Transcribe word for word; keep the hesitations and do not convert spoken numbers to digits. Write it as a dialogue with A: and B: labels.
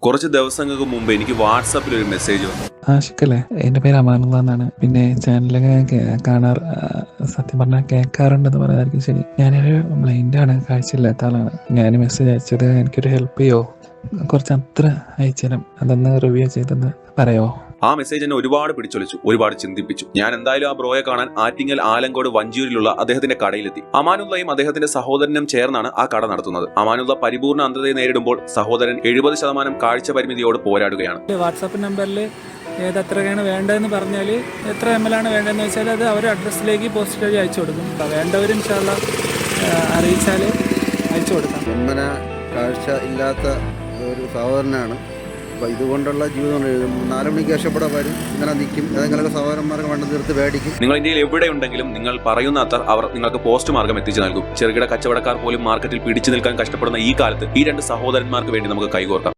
A: കുറച്ച് ദിവസങ്ങൾക്ക് മുമ്പ് എനിക്ക് വാട്സാപ്പിൽ ഒരു മെസ്സേജ് വന്നു.
B: ആഷിഖല്ലേ, എൻ്റെ പേര് അമാനുള്ള എന്നാണ്. പിന്നെ ചാനലൊക്കെ കാണാറ്, സത്യം പറഞ്ഞാൽ കേൾക്കാറുണ്ടെന്ന് പറയാതായിരിക്കും ശരി. ഞാനൊരു ബ്ലൈൻഡാണ്, കാഴ്ചയില്ലാത്ത ആളാണ്. ഞാൻ മെസ്സേജ് അയച്ചത് എനിക്കൊരു ഹെൽപ്പ് ചെയ്യോ, കുറച്ച് അത്ര അയച്ചാലും അതൊന്ന് റിവ്യൂ ചെയ്തെന്ന് പറയോ?
A: ആ മെസ്സേജ് എന്നെ ഒരുപാട് പിടിച്ചൊലിച്ചു, ഒരുപാട് ചിന്തിപ്പിച്ചു. ഞാൻ എന്തായാലും ആ ബ്രോയെ കാണാൻ ആറ്റിങ്ങൽ ആലങ്കോട് വഞ്ചിയൂരിലുള്ള അദ്ദേഹത്തിന്റെ കടയിലെത്തി. അമാനുള്ളയും അദ്ദേഹത്തിന്റെ സഹോദരനും ചേർന്നാണ് ആ കട നടത്തുന്നത്. അമാനുള്ള പരിപൂർണ്ണ അന്ധതയെ നേരിടുമ്പോൾ സഹോദരൻ എഴുപത് ശതമാനം കാഴ്ച പരിമിതിയോട് പോരാടുകയാണ്.
C: വാട്സാപ്പ് നമ്പറിൽ ഏതെത്രയാണ് വേണ്ടതെന്ന് പറഞ്ഞാൽ, എത്ര എം എൽ ആണ് വേണ്ടതെന്ന് വെച്ചാൽ അത് അവർ അഡ്രസ്സിലേക്ക് പോസ്റ്റ് വഴി അയച്ചു കൊടുക്കും. വേണ്ടവരും ഇൻഷാല്ലാ അറിയിച്ചാൽ അയച്ചു കൊടുക്കാം.
D: ഒന്നര കാഴ്ച ഇല്ലാത്ത ഒരു സഹോദരനാണ്. അപ്പോൾ ഇതുകൊണ്ടുള്ള ജീവിതം നാല് മണിക്ക് രക്ഷപ്പെടാൻ വരും, ഇങ്ങനെ നിൽക്കും, ഏതെങ്കിലുമൊക്കെ സഹോദരന്മാർക്ക് വണ്ടി നിർത്തി മേടിക്കും.
A: നിങ്ങൾ ഇന്ത്യയിൽ എവിടെയുണ്ടെങ്കിലും നിങ്ങൾ പറയുന്ന അത്ര അവർ നിങ്ങൾക്ക് പോസ്റ്റ് മാർഗം എത്തിച്ചു നൽകും. ചെറുകിട കച്ചവടക്കാർ പോലും മാർക്കറ്റിൽ പിടിച്ചു നിൽക്കാൻ കഷ്ടപ്പെടുന്ന ഈ കാലത്ത് ഈ രണ്ട് സഹോദരന്മാർക്ക് വേണ്ടി നമുക്ക് കൈകോർക്കാം.